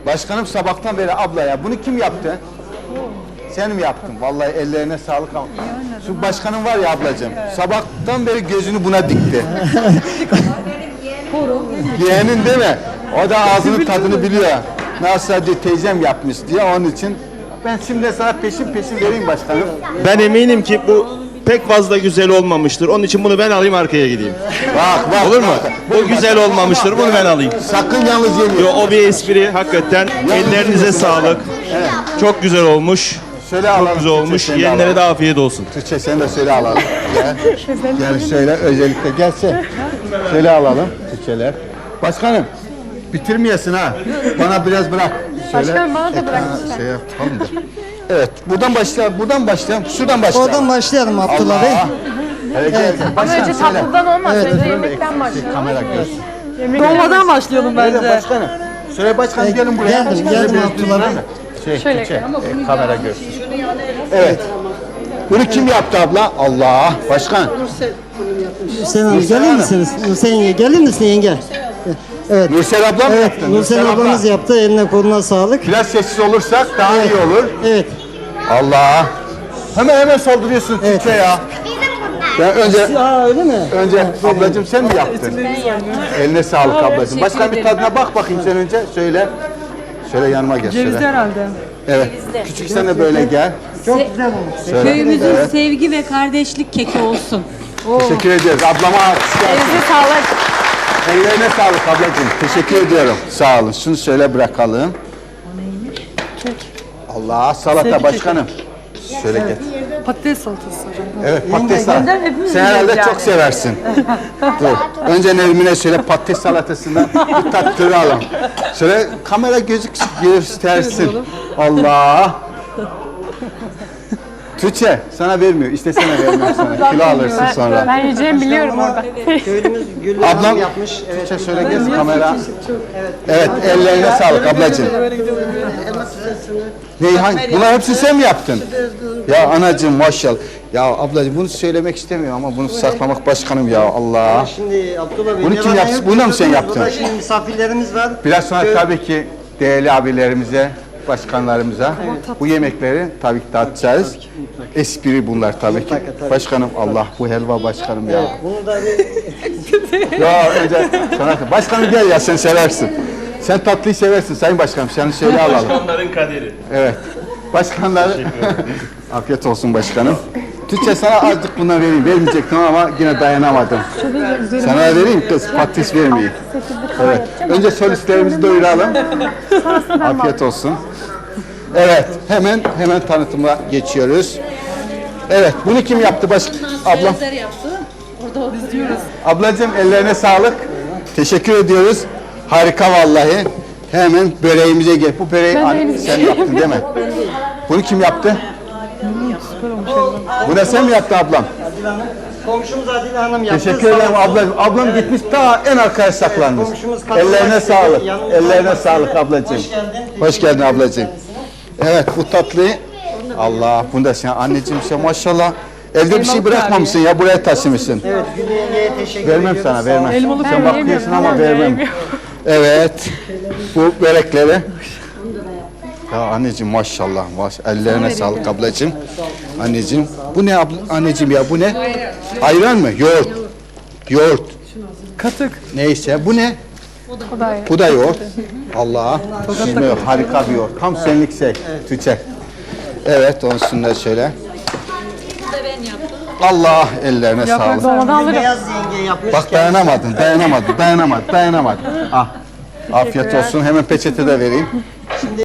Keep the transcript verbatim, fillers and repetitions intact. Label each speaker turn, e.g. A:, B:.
A: Başkanım sabahtan beri abla ya bunu kim yaptı? Sen mi yaptın? Vallahi ellerine sağlık ama. Şu başkanım var ya ablacığım. Sabahtan beri gözünü buna dikti. Yeğenin değil mi? O da ağzının tadını biliyor. Nasıl diyor teyzem yapmış diye onun için. Ben şimdi sana peşin peşin vereyim başkanım.
B: Ben eminim ki bu pek fazla güzel olmamıştır. Onun için bunu ben alayım arkaya gideyim.
A: Bak bak.
B: Olur mu? Bu güzel olmamıştır. Bunu ben alayım.
A: Sakın yalnız yemeyin.
B: Yo, o bir espri. Hakikaten ellerinize sağlık. Çok güzel olmuş.
A: Şöyle alalım.
B: Çok güzel olmuş.
A: Türkçe,
B: Yiyenlere de afiyet olsun.
A: Türkçe sen de söyle alalım. Gel. Gel şöyle özellikle gelse. Şöyle alalım Türkçeler. Başkanım bitirmeyesin ha. Bana biraz bırak. Şöyle,
C: Başkanım bana da bırak.
A: ekrana şey yapalım da. Evet buradan başlayalım. Buradan başlayalım. Şuradan başlayalım.
D: Oradan başlayalım Abdullah Bey.
A: Allah. Evet. evet.
C: Ama önce tatlıdan olmaz. Önce yemekten başlayalım.
A: Kamera görsün.
E: Dolmadan başlayalım
A: Öyle
E: bence.
A: başkanım. Söyle başkanım gelin buraya.
D: Geldim,
A: Şöyle
D: geldim
A: biraz
D: Abdullah Bey.
A: dinleyin mi? Şey,
C: Şöyle
A: şey, e, kamera görsün. Evet. Bunu kim yaptı abla? Allah. Başkan.
D: Hüseyin Hanım gelir misiniz? Hüseyin gelir misin yenge? Evet.
A: Nursel abla mı
D: Evet,
A: yaptı?
D: Nursel ablamız yaptı. Eline koluna sağlık.
A: Biraz sessiz olursak daha iyi olur.
D: Evet.
A: Allah. Hemen hemen saldırıyorsun
D: Evet.
A: Türkçe ya. Ben önce
D: Aa öyle mi?
A: önce ablacığım sen mi yaptın? Eline sağlık ablacığım. Başkan bir tadına bak bakayım sen önce. Söyle. Şöyle yanıma gel.
E: Cevizli
A: Şöyle.
E: herhalde.
A: Evet. Küçük sen de böyle gel.
D: Çok güzel olmuş.
A: Şöyle.
F: Köyümüzün
A: Evet.
F: sevgi ve kardeşlik keki olsun.
A: Teşekkür ediyoruz. Ablama alkış gelsin.
C: Elinize sağlık.
A: Ellerine sağlık ablacığım. Teşekkür ediyorum. Sağ olun. Şunu şöyle bırakalım. Allah salata başkanım. Şöyle gel.
E: Patates salatası hocam.
A: Evet patates
E: Yeniden
A: salatası.
E: hepimiz
A: Sen herhalde
E: yiyeceğiz
A: çok
E: yani.
A: seversin. Dur. Önce Nermin'e şöyle patates salatasından bir tattıralım. Şöyle kamera gözük göstersin. Allah. Tuğçe sana vermiyor. İstesene vermiyor sana. Kilo alırsın sonra.
C: Ben yiyeceğimi biliyorum orada.
D: Köylümüz Güllü
A: Ablam
D: Hanım yapmış. Evet.
A: Tuğçe şöyle gez kamera. Evet ellerine sağlık ablacığım. Reyhan bunlar hepsini sen mi yaptın? Ya anacığım maşallah. Ya ablacığım bunu söylemek istemiyorum ama bunu saklamak başkanım ya Allah.
D: Şimdi Abdullah Bey.
A: Bunu
D: ne
A: kim
D: var,
A: yaptı?
D: ne yok?
A: Bunu da mı sen yaptın?
D: Burada şimdi misafirlerimiz var.
A: Biraz sonra
D: Köy-
A: tabii ki değerli abilerimize, başkanlarımıza bu yemekleri tabii ki dağıtacağız. Espri bunlar tabii ki.
D: Mutlaka, tabii.
A: Başkanım Allah bu helva başkanım ya.
D: Bunu da bir
A: Ya önce sana başkanım gel ya sen seversin. Sen tatlıyı seversin sayın başkanım. Seni şöyle alalım.
B: Başkanların kaderi.
A: Evet. Başkanlar afiyet olsun başkanım. Türkçe sana azıcık bundan vereyim. Vermeyecektim ama yine dayanamadım. Sana vereyim kız patates vermeyeyim. Evet. Önce solistlerimizi doyuralım. Afiyet olsun. Evet. Hemen hemen tanıtıma geçiyoruz. Evet. Bunu kim yaptı baş ablam? Ablacığım ellerine sağlık. Teşekkür ediyoruz. Harika vallahi. Hemen böreğimize gel. Bu böreği an- sen yaptın değil mi? Bunu kim yaptı? Bu da sen mi yaptın ablam?
D: Adile Hanım. Komşumuz Adile Hanım yaptı.
A: Teşekkür ederim ablam. Ablam gitmiş ta en arkaya saklanmış.
D: komşumuz kadın
A: Ellerine
D: başladı,
A: sağlık.
D: yanımızda
A: Ellerine
D: başladı.
A: sağlık ablacığım.
D: Hoş geldin.
A: Hoş geldin ablacığım. Evet bu tatlıyı Allah bunu da sen anneciğim sen maşallah evde bir şey bırakmamışsın ya buraya taşımışsın.
D: Evet Güllü yengeye teşekkür
A: Vermem
D: ediyoruz.
A: sana vermem.
E: Elmalı
A: Sen bakıyorsun ama vermem. Evet. Bu börekleri. Ya anneciğim maşallah. Maş ellerine sağlık ablacığım. Anneciğim. Bu ne abla, anneciğim ya bu ne? Ayran mı? Yoğurt. Yoğurt.
E: Katık.
A: Neyse bu ne?
C: Bu da iyi.
A: Bu da yoğurt. Allah. Şimdi harika bir yoğurt. Tam senlik şey. Tüçek. Evet onun üstünde şöyle. Allah ellerine sağlık.
C: Dolmadan alırım.
D: Beyaz yenge yapmış.
A: Bak dayanamadın, dayanamadın, dayanamadın, dayanamadın. Ah. Afiyet olsun. Hemen peçete de vereyim.